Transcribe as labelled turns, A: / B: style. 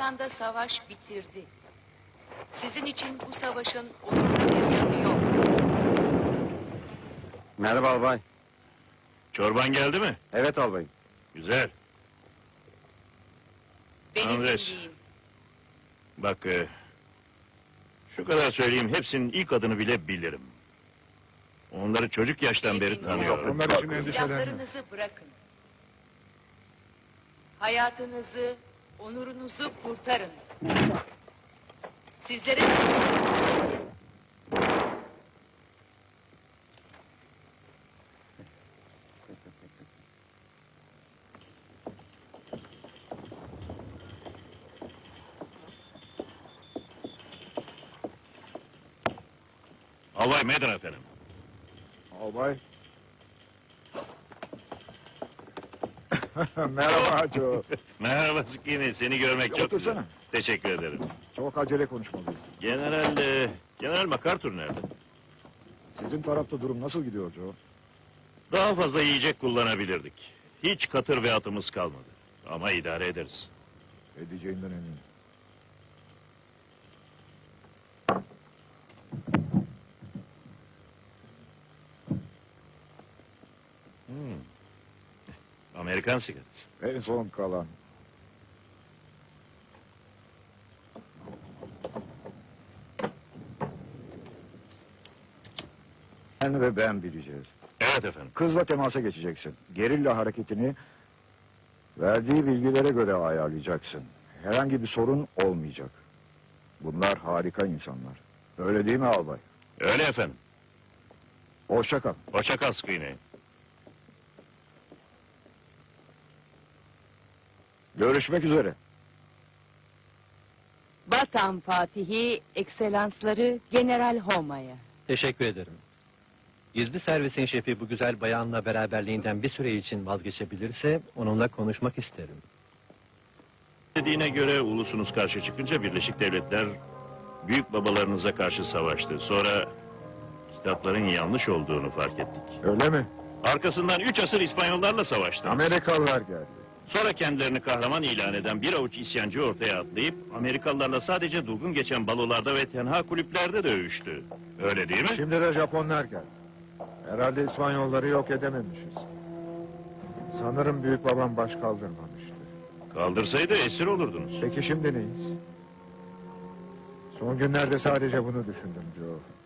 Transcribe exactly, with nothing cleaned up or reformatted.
A: Balkan'da savaş bitirdi. Sizin için bu savaşın onurlu bir yanı yok.
B: Merhaba albay.
C: Çorban geldi mi?
B: Evet albayım.
C: Güzel.
A: Beni
C: Andres.
A: dinleyin.
C: Bak, e, şu kadar söyleyeyim, hepsinin ilk adını bile bilirim. Onları çocuk yaştan beri tanıyorum.
D: Onlar için endişelenme.
A: Silahlarınızı bırakın. Hayatınızı, onurunuzu kurtarın. Sizlere...
C: Albay Meydan efendim.
D: Albay. Merhaba Joe.
C: Merhaba Skini, seni görmek çok
D: Otursana.
C: güzel. Teşekkür ederim.
D: Çok acele konuşmalıyız.
C: General, e, General MacArthur nerede?
D: Sizin tarafta durum nasıl gidiyor Joe?
C: Daha fazla yiyecek kullanabilirdik. Hiç katır ve atımız kalmadı. Ama idare ederiz.
D: Edeceğinden eminim.
C: Hmm. Amerikan sigarası.
D: En son kalan. Sen ve ben bileceğiz.
C: Evet efendim.
D: Kızla temasa geçeceksin. Gerilla hareketini verdiği bilgilere göre ayarlayacaksın. Herhangi bir sorun olmayacak. Bunlar harika insanlar. Öyle değil mi albay?
C: Öyle efendim.
D: Hoşça kal.
C: Hoşça kal Skini.
D: Görüşmek üzere.
E: Vatan Fatihi, Ekselansları General Homa'ya.
F: Teşekkür ederim. Gizli servisin şefi bu güzel bayanla beraberliğinden bir süre için vazgeçebilirse onunla konuşmak isterim.
C: Dediğine göre ulusunuz karşı çıkınca Birleşik Devletler büyük babalarınıza karşı savaştı. Sonra kitapların yanlış olduğunu fark ettik.
D: Öyle mi?
C: Arkasından üç asır İspanyollarla savaştı.
D: Amerikalılar geldi.
C: Sonra kendilerini kahraman ilan eden bir avuç isyancı ortaya atlayıp Amerikalılarla sadece durgun geçen balolarda ve tenha kulüplerde dövüştü. Öyle değil mi?
D: Şimdi de Japonlar geldi. Herhalde İspanyolları yok edememişiz. Sanırım büyük babam baş kaldırmamıştı.
C: Kaldırsaydı esir olurdunuz.
D: Peki şimdi neyiz? Son günlerde sadece bunu düşündüm Joe.